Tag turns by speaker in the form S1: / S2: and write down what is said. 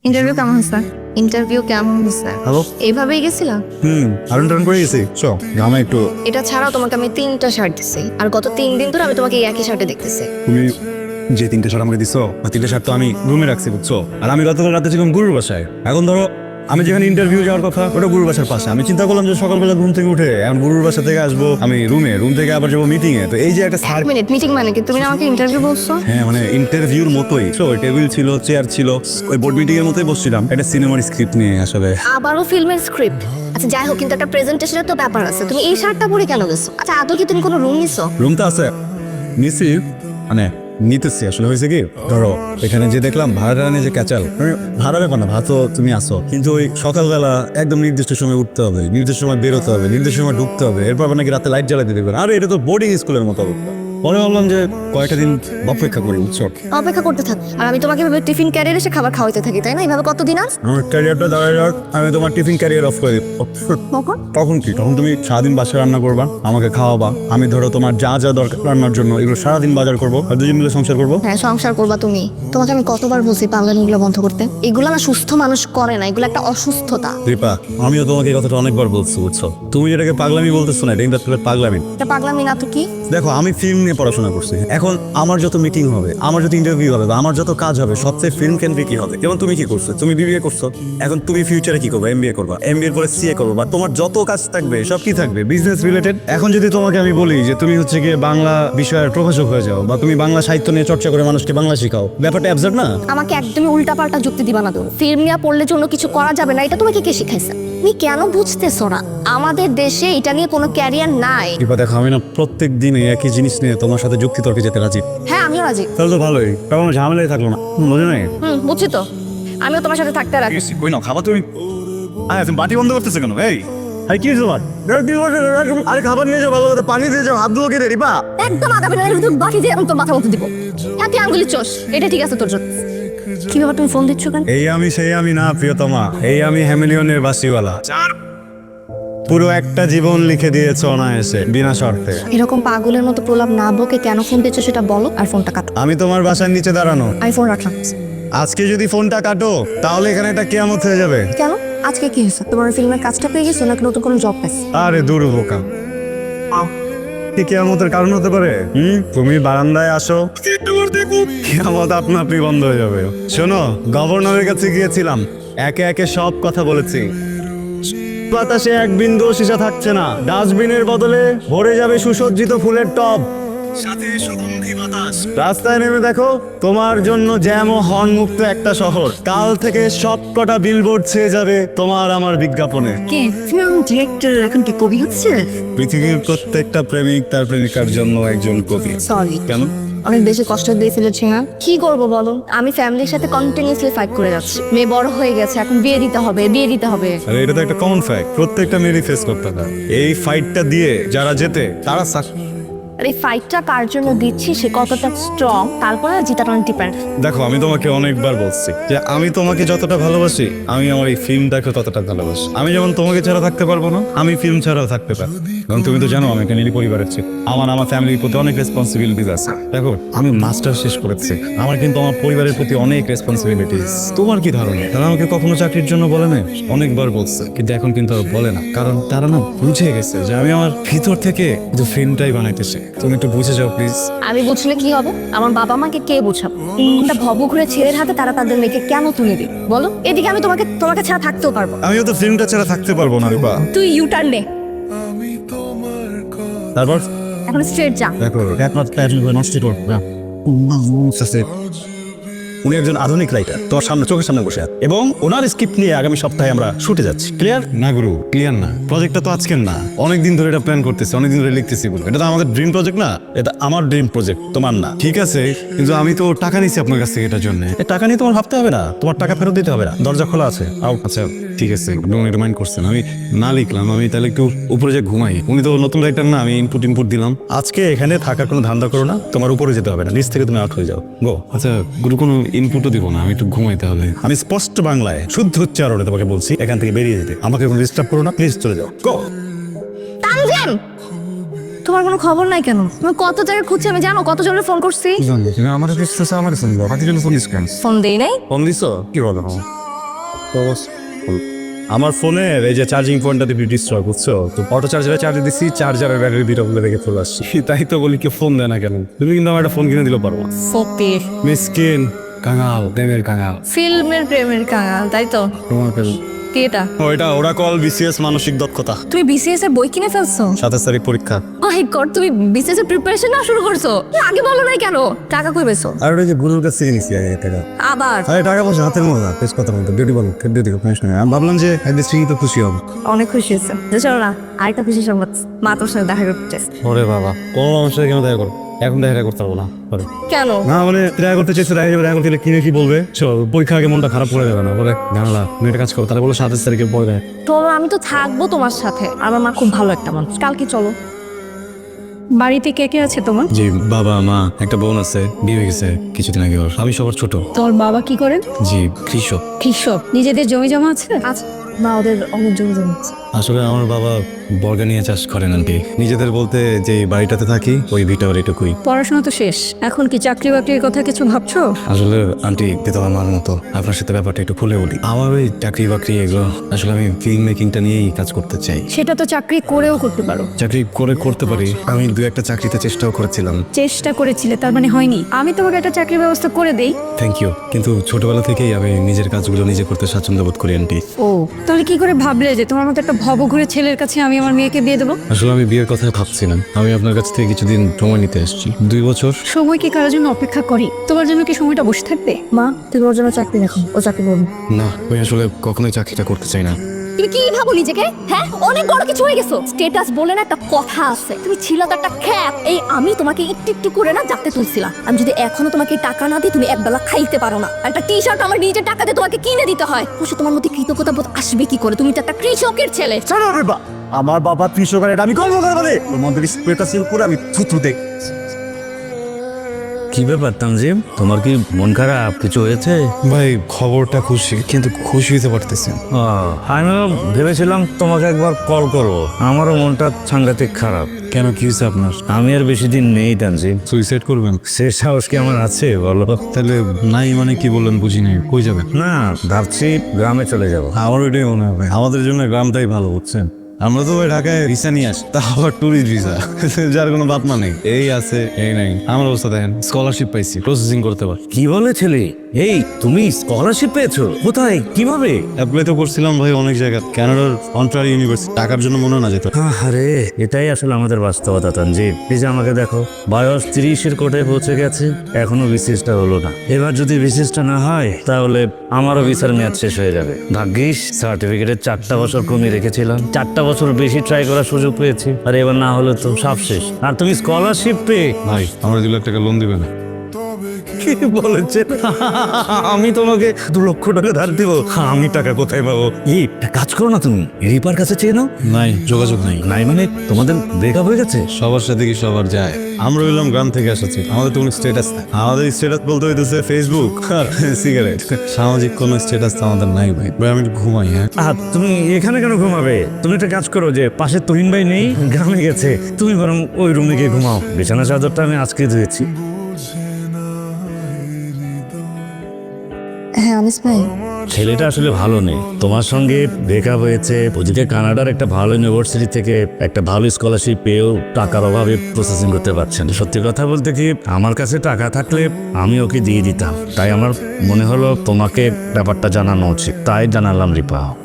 S1: Interview কেমন হয়েছে? Interview কেমন হয়েছে?
S2: হ্যালো।
S1: এইভাবেই গেছিলাম।
S2: আরন টারন করে গেছি চ আমি একটু।
S1: এটা ছাড়াও তোমাকে আমি 3টা শার্ট দিছি, আর গত 3 দিন ধরে আমি তোমাকে এই একই শার্টে দেখতেছি।
S2: তুমি যে 3টে শার্ট আমাকে দিছো, 3টে শার্ট তো আমি রুমে রাখছি বুঝছো। আর আমি গতকাল রাতে ছিলাম গুরুর বাসায়। এখন ধরো আমি যেখানে ইন্টারভিউ যাওয়ার কথা ওটা গুরুর বাসার পাশে। আমি চিন্তা করলাম যে সকালবেলা ঘুম থেকে উঠে এখন গুরুর বাসা থেকে আসবো আমি রুম থেকে আবার যাবো মিটিং এ। তো এই যে একটা
S1: এক মিনিট, মিটিং মানে কি? তুমি না আমাকে ইন্টারভিউ বলছো?
S2: হ্যাঁ মানে ইন্টারভিউর মতোই। ওই টেবিল ছিল, চেয়ার ছিল, ওই বোর্ড মিটিং এর মতোই বসছিলাম একটা সিনেমার স্ক্রিপ্ট নিয়ে আসলে।
S1: আবারও ফিল্মের স্ক্রিপ্ট? আচ্ছা যাই হোক, কিন্তু একটা প্রেজেন্টেশনের তো ব্যাপার আছে। তুমি এই শার্টটা পরে কেন গেছো? আচ্ছা আদৌ কি তুমি কোনো রুম নিছো?
S2: রুম তো আছে, নিছি মানে নিতেছি। আসলে হয়েছে কি, ধরো এখানে যে দেখলাম ভাড়া নিয়ে যে ক্যাচাল, ভাড়া ব্যাপার না, ভাত তুমি আসো, কিন্তু ওই সকালবেলা একদম নির্দিষ্ট সময় উঠতে হবে, নির্দিষ্ট সময় বেরোতে হবে, নির্দিষ্ট সময় ঢুকতে হবে, এরপর নাকি রাতে লাইট জ্বালাতে দেবে। আর এটা তো বোর্ডিং স্কুলের মতো অবস্থা। পরে ভাবলাম যে কয়েকটা দিন অপেক্ষা করি বুঝছো।
S1: অপেক্ষা করতে থাক, আর আমি তোমাকে এভাবে টিফিন ক্যারিয়ার এসে খাবার খাওয়াইতে থাকি, তাই না? এইভাবে কতদিন আর?
S2: আমার ক্যারিয়ারটা দাঁড়ায় যাক, আমি তোমার টিফিন ক্যারিয়ার অফ করে দিব।
S1: কখন?
S2: তখন কি, তখন তুমি সারাদিন বাসায় রান্না করবা, আমাকে খাওয়াবা, আমি ধরো তোমার যা যা দরকার রান্নার জন্য এগুলো সারাদিন বাজার করবো, আর দুজন মিলে সংসার করবো।
S1: হ্যাঁ, সংসার করবা তুমি। তোমাকে আমি কতবার বলছি পাগলামিগুলো বন্ধ করতে। এগুলো না সুস্থ মানুষ করে না, এগুলো একটা অসুস্থতা।
S2: দীপা, আমিও তোমাকে এই কথাটা অনেকবার বলছি বুঝছো। তুমি যেটাকে পাগলামি বলতেছো না, এটা কিন্তু আসলে পাগলামি।
S1: এটা পাগলামি না তো কি?
S2: দেখো আমি ফিল্ম নিয়ে পড়াশোনা করছি, এখন আমার যত মিটিং হবে, আমার যত ইন্টারভিউ হবে, বা আমার যত কাজ হবে সবচেয়ে ফিল্ম কেন্দ্রিকই হবে। যেমন তুমি কি করছো, তুমি বিবিএ করছো, এখন তুমি ফিউচারে কি করবে? এমবিএ করবা, এমবিএ পরে সিএ করবা, বা তোমার যত কাজ থাকবে সব কি থাকবে? Business related. এখন যদি তোমাকে আমি বলি যে তুমি হচ্ছে গিয়ে বাংলা বিষয়ের প্রভাষক হয়ে যাও, বা তুমি বাংলা সাহিত্য নিয়ে চর্চা করে মানুষকে বাংলা শেখাও, ব্যাপারটা অ্যাবসার্ড না?
S1: আমাকে একদমই উল্টাপাল্টা যুক্তি দিবা না তুমি। ফিল্ম নিয়ে পড়লে জন্য কিছু করা যাবে না, এটা তোমাকে কে শিখাইছে? তুমি কেন বুঝতেছো না? আমাদের দেশে এটা নিয়ে কোনো ক্যারিয়ার নাই।
S2: দীপা দেখো, আমি না প্রত্যেক দিনে একই জিনিস নিয়ে তোমার সাথে যুক্তি তর্কে যেতে রাজি।
S1: হ্যাঁ আমিও রাজি।
S2: তাহলে তো ভালোই, তখন ঝামেলাই থাকলো না, বুঝে নাই?
S1: বুঝছি তো, আমিও তোমার সাথে থাকতে রাজি।
S2: কই না খাবার তুমি? তুমি বাটি বন্ধ করতেছো কেন? এই আরে কি হয়েছে তোমার? আরে খাবার নিয়ে যাও, ভালো করে পানি দিয়ে যাও, হাত ধুলো কে রে রিপা?
S1: একদম আধা মিনিটের ভিতর বাকি দিয়ে আমি তোর মাথা মতো দিব। হাতে আঙ্গুলি চোষ, এটা ঠিক আছে তোর জন্য। কি ব্যাপার, তুমি ফোন দিচ্ছ কেন?
S2: এই আমি সেই আমি না প্রিয়তমা, এই আমি হ্যামিলিয়নের বাসিওয়ালা। পুরো একটা জীবন লিখে দিয়েছ অনায়াসে, বিনা শর্তে।
S1: এরকম পাগলের মতো প্রলাপ না বকে কেন ফোন দিচ্ছ সেটা বলো, আর ফোনটা কাটো।
S2: আমি তোমার বাসার নিচে দাঁড়ানো,
S1: আমি ফোন রাখলাম।
S2: আজকে যদি ফোনটা কাটো তাহলে এখানে একটা কিয়ামত হয়ে যাবে।
S1: কেন? আজকে কি হয়েছে? তোমার ফিল্মের কাজটা পেয়ে গেছো নাকি নতুন কোনো জব পাইছো?
S2: আরে দূর বোকা, কি কিয়ামতের কারণ হতে পারে? তুমি বারান্দায় আসো, কিয়ামত আপনা আপনি বন্ধ হয়ে যাবে। শোনো, গভর্নরের কাছে গিয়েছিলাম, একে একে সব কথা বলেছি। বাতাসে এক বিন্দু সীসা থাকছে না, ডাস্টবিনের বদলে ভরে যাবে সুসজ্জিত ফুলের টব, সাথে সুগন্ধি বাতাস। রাস্তায় নেমে দেখো, তোমার জন্য জ্যাম ও হর্ন মুক্ত একটা শহর। কাল থেকে সব কটা বিলবোর্ড ছেয়ে যাবে তোমার আমার বিজ্ঞাপনে।
S1: কে ফিল্ম ডিরেক্টর এখন কি কবি হচ্ছে?
S2: পৃথিবীর প্রত্যেকটা প্রেমিক তার প্রেমিকার জন্য একজন কবি।
S1: সরি,
S2: কেন?
S1: অনেক বেশি কষ্ট দিয়ে ফেলেছি না? কি করবো বলো, আমি ফ্যামিলির সাথে কন্টিনিউসলি ফাইট করে যাচ্ছি। মেয়ে বড় হয়ে গেছে, এখন বিয়ে দিতে হবে, বিয়ে দিতে হবে।
S2: আরে এটা তো একটা কমন ফ্যাক্ট, প্রত্যেকটা মেয়েরই ফেস করতে হয়। এই ফাইটটা দিয়ে যারা জেতে তারা
S1: আর এই ফাইটটা কার জন্য দিচ্ছি সে কতটা স্ট্রং, তারপরে জিতাটা ডিপেন্ড।
S2: দেখো আমি তোমাকে অনেকবার বলছি যে আমি তোমাকে যতটা ভালোবাসি আমি আমার এই ফিল্মটাকে ততটা ভালোবাসি। আমি যেমন তোমাকে ছাড়া থাকতে পারবো না, আমি ফিল্ম ছাড়াও থাকতে পারবো। কারণ তুমি তো জানো আমি একটা নিরি পরিবারের ছেলে, আমার ফ্যামিলির প্রতি অনেক রেসপন্সিবিলিটিস আছে। দেখো আমি মাস্টার শেষ করেছি, আমার কিন্তু আমার পরিবারের প্রতি অনেক রেসপন্সিবিলিটিস। তোমার কি ধারণা তারা আমাকে কখনো চাকরির জন্য বলে না? অনেকবার বলছে, কিন্তু এখন কিন্তু আর বলে না, কারণ তারা না বুঝে গেছে যে আমি আমার ভিতর থেকে কিন্তু ফিল্মটাই বানাইতেছি। তুমি একটু বুঝে যাও প্লিজ।
S1: আমি বুঝলে কি হবে? আমার বাবা মাকে কে বোঝাবো? একটা ভবঘুরে ছেলের হাতে তারা তাদের মেয়েকে কেন তুলে দিবে বলো? এদিকে আমি তোমাকে ছাড়া থাকতেও পারবো।
S2: আমিও তো ফিল্মটা ছাড়া থাকতে পারবো না রূপা।
S1: তুই ইউটার্ন নে,
S2: তারপর
S1: এখন স্ট্রেট যা।
S2: দেখো একমাত্র নষ্ট করবো না। উনি একজন আধুনিক রাইটার, তোমার সামনে চোখের সামনে বসে আছে, এবং ওনার স্ক্রিপ্ট নিয়ে আগামী সপ্তাহে আমরা শুটে যাচ্ছি। ক্লিয়ার না গুরু? ক্লিয়ার না? প্রজেক্টটা তো আজকের না, অনেকদিন ধরে এটা প্ল্যান করতেছি, অনেকদিন ধরে লিখতেছি। বলবো এটা তো আমাদের ড্রিম প্রজেক্ট না, এটা আমার ড্রিম প্রজেক্ট, তোমার না। ঠিক আছে, কিন্তু আমি তো টাকা নিছি আপনার কাছ থেকে এটার জন্য। এই টাকা নিয়ে তোমার ভাবতে হবে না, তোমার টাকা ফেরত দিতে হবে না, দরজা খোলা আছে। আউট। আচ্ছা ঠিক আছে, রিমাইন্ড করছেন, আমি না লিখলাম, আমি তাহলে একটু উপরে যে ঘুমাই। উনি তো নতুন রাইটার না, আমি ইনপুট দিলাম। আজকে এখানে থাকার কোনো ধান্দা করো না, তোমার উপরে যেতে হবে না, নিচ থেকে তুমি আউট হয়ে যাও। গো। আচ্ছা গুরু, কোনো ইনপুটও দিব না, আমি একটু ঘুমাইতে হবে। আমি স্পষ্ট বাংলায় শুদ্ধ উচ্চারণে তোমাকে বলছি এখান থেকে বেরিয়ে যেতে, আমাকে কোনো ডিস্টার্ব করো না, প্লিজ চলে যাও। গো।
S1: তানজিম, তোমার কোনো খবর নাই কেন? তুমি কত জায়গায় খুঁজছি আমি, জানো কত জনের ফোন করছি?
S2: আমার
S1: ফোন দেই নাই।
S2: ফোন দিছো? কি বলো? আমার ফোনের এই যে চার্জিং পয়েন্টটা দিয়ে ডিস্ট্রয় বুঝছো, তো অটো চার্জারে চার্জ দিচ্ছি, চার্জারের ব্যাটারি দুটো বলে রেখে চলে আসছি। তাই তো বলি কি ফোন দেয় না কেন, তুমি কিন্তু আমার একটা ফোন কিনে দিলে পারো।
S1: ফকির
S2: মিসকিন কাঙাল, প্রেমের কাঙাল,
S1: ফিল্মের প্রেমের কাঙাল, তাই তো?
S2: তোমার প্রেম
S1: কি এটা?
S2: ওইটা ওরা কল বিসিএস মানসিক দক্ষতা।
S1: তুমি বিসিএস এর বই কিনে ফেলছো?
S2: 27 তারিখ পরীক্ষা।
S1: মাই গড, তুমি বিসিএস এর প্রিপারেশন না শুরু করছো? আগে বলো নাই কেন? টাকা কই পেছো?
S2: আর ওই যে গুরুর কাছে নিছি টাকা।
S1: আবার
S2: আরে টাকা পয়সা হাতের মজা, বেশ কথা বলতো, ডিউটি বলো, ডিউটি আমি ভাবলাম যে একদিন স্ত্রী তো খুশি হবে।
S1: অনেক খুশি হয়েছে। চলো না, আরেকটা খুশি সংবাদ, মা তোর সাথে দেখা করতে চাইছে।
S2: ওরে বাবা, কোন মানুষের সাথে কেন দেখা করো? এখন দেখা করতে পারবো না।
S1: কেন?
S2: না মানে দেখা করতে চাইছে, দেখা করতে কিনে কি বলবে? চল পরীক্ষা আগে মনটা খারাপ করে যাবে না, বলে জানালা তুমি একটা কাজ করো, তাহলে বলো 27 তারিখে পরে দেয়।
S1: চলো, আমি তো থাকবো তোমার সাথে। আমার মা খুব ভালো একটা মানুষ। কালকে চলো।
S3: বাড়িতে কে কে আছে তোমার?
S2: জি, বাবা মা, একটা বোন আছে, বিয়ে হয়ে গেছে কিছুদিন আগে ওর। আমি সবার ছোট।
S3: তোর বাবা কি করেন?
S2: জি, কৃষক।
S3: কৃষক। নিজেদের জমি জমা আছে?
S1: আচ্ছা, মা ওদের অনেক জমি জমাচ্ছে।
S2: আসলে আমার বাবা বর্গা নিয়ে চাষ করেন আন্টি। নিজেদের বলতে যে বাড়িটাতে থাকি ওই ভিটা বাড়িটুকুই।
S3: পড়াশোনা তো শেষ, এখন কি চাকরি বাকরির কথা কিছু ভাবছো?
S2: আসলে আন্টি তো আমার মতো আপনার সাথে ব্যাপারটা একটু খুলে বলি। আমার ওই চাকরি বাকরি এগুলো, আসলে আমি ফিল্ম মেকিংটা নিয়েই কাজ করতে চাই।
S3: সেটা তো চাকরি করেও করতে পারো।
S2: চাকরি করে করতে পারি, আমি দু একটা চাকরিতে চেষ্টাও করেছিলাম।
S3: চেষ্টা করেছিলে, তার মানে হয়নি। আমি তোমাকে একটা চাকরির ব্যবস্থা করে দেই।
S2: থ্যাংক ইউ, কিন্তু ছোটবেলা থেকেই আমি নিজের কাজগুলো নিজে করতে স্বাচ্ছন্দ্য বোধ করি আন্টি।
S3: ও, তাহলে কি করে ভাবলে যে তোমার মতো একটা ভবঘুরে ছেলের কাছে আমি আমার মেয়েকে বিয়ে দেবো?
S2: আসলে আমি বিয়ের কথা ভাবছিলাম, আমি আপনার কাছ থেকে কিছুদিন সময় নিতে এসেছি, 2 বছর।
S3: সময় কি কারোর জন্য অপেক্ষা করি? তোমার জন্য কি সময়টা বসে থাকবে?
S1: মা, তুমি ওর জন্য চাকরি রাখো, ও চাকরি করবে।
S2: না, আমি আসলে কখনোই চাকরিটা করতে চাই না।
S1: তুমি কি ভাবো নিজেকে? হ্যাঁ, অনেক বড় কিছু হয়ে গেছো। স্ট্যাটাস বলে না একটা কথা আছে, তুমি ছিল তো একটা খ্যাপ। এই আমি তোমাকে একটু একটু করে না জানতে তুলছিলাম। আমি যদি এখনো তোমাকে টাকা না দিই, তুমি একবেলা খাইতে পারো না। আর একটা টি শার্ট আমার নিজের টাকা দিয়ে তোমাকে কিনে দিতে হয়। অবশ্য তোমার মধ্যে কৃতজ্ঞতা বোধ আসবে কি করে? তুমি তো একটা কৃষকের ছেলে।
S4: চলো রে বা, আমার বাবা কৃষকের, এটা আমি গর্ব করে বলে ওর মধ্যে স্প্রেটা সিল করে আমি থুতু দেখ।
S5: কি ব্যাপার তানজিম, তোমার কি মন খারাপ? কিছু হয়েছে?
S2: ভাই খবরটা খুশি, কিন্তু খুশি হতে পারতেছি না।
S5: আমিও ভেবেছিলাম তোমাকে একবার কল করবো, আমারও মনটা সাংঘাতিক খারাপ।
S2: কেন, কি হয়েছে আপনার?
S5: আমি আর বেশি দিন নেই তানজিম।
S2: সুইসাইড করবেন?
S5: সে সাহস কি আমার আছে বলো?
S2: তাহলে নাই মানে কি বললেন বুঝি নাই, কই যাবেন?
S5: না, ভাবছি গ্রামে চলে যাব।
S2: আমার ওইটাই মনে হবে, আমাদের জন্য গ্রামটাই ভালো, বুঝছেন? আমরা তো ওই ঢাকায় ভিসা নিয়ে আসি, তা আবার ট্যুরিস্ট ভিসা, যার কোনো বাপমা নেই। এই আছে এই নাই। আমার অবস্থা দেখেন, স্কলারশিপ পাইছি, প্রসেসিং করতে পার।
S5: কি বলে ছেলে? এই তুমি স্কলারশিপ পেয়েছো? কোথায়, কিভাবে?
S2: অ্যাপ্লাই তো করছিলাম ভাই অনেক জায়গায়, কানাডার অন্টারিও ইউনিভার্সিটি। টাকার জন্য মনে না যেত।
S5: আরে এটাই আসলে আমাদের বাস্তবতা তানজিম। এই যে আমাকে দেখো, বয়স 30-এর কোটায় পৌঁছে গেছে, এখনো বিসিএসটা হলো না। এবার যদি বিসিএসটা না হয়, তাহলে আমারও ভিসার মেয়াদ শেষ হয়ে যাবে। ভাগ্যিস সার্টিফিকেটের 4টা বছর কমিয়ে রেখেছিলাম, 4টা বছর বেশি ট্রাই করার সুযোগ পেয়েছি। আর এবার না হলে তো সব শেষ। আর তুমি স্কলারশিপ পেয়ে
S2: ভাই আমার 2 লাখ টাকা লোন দিবেন?
S5: কি বলেছেন? আমি তোমাকে 2 লক্ষ টাকা ধার দিব? আমি টাকা কোথায় পাবো? একটা কাজ করো না, তুমি রিপার কাছে চেয়ে নাও।
S2: নাই, যোগাযোগ নাই।
S5: নাই মানে তোমাদের ব্রেকআপ হয়ে গেছে?
S2: সবার সাথে কি সবার যায়? আমরা হইলাম গ্রাম থেকে এসেছি, আমাদের তো কোনো স্ট্যাটাস নাই। আমাদের স্ট্যাটাস বলতে হইতেছে ফেসবুক আর সিগারেট। সামাজিক কোনো স্ট্যাটাস তো আমাদের নাই ভাই। ভাই আমি একটু ঘুমাই। হ্যাঁ,
S5: তুমি এখানে কেন ঘুমাবে? তুমি একটা কাজ করো, যে পাশে তুহিন ভাই নেই, গ্রামে গেছে, তুমি বরং ওই রুমে গিয়ে ঘুমাও। বিছানা চাদরটা আমি আজকে ধুয়েছি।
S1: হ্যাঁ আনিস ভাই,
S5: ছেলেটা আসলে ভালো নেই, তোমার সঙ্গে ব্রেকআপ হয়েছে। ওদিকে কানাডার একটা ভালো ইউনিভার্সিটি থেকে একটা ভালো স্কলারশিপ পেয়েও টাকার অভাবে প্রসেসিং করতে পারছেন। সত্যি কথা বলতে কি, আমার কাছে টাকা থাকলে আমি ওকে দিয়ে দিতাম। তাই আমার মনে হলো তোমাকে ব্যাপারটা জানানো উচিত, তাই জানালাম রিপা।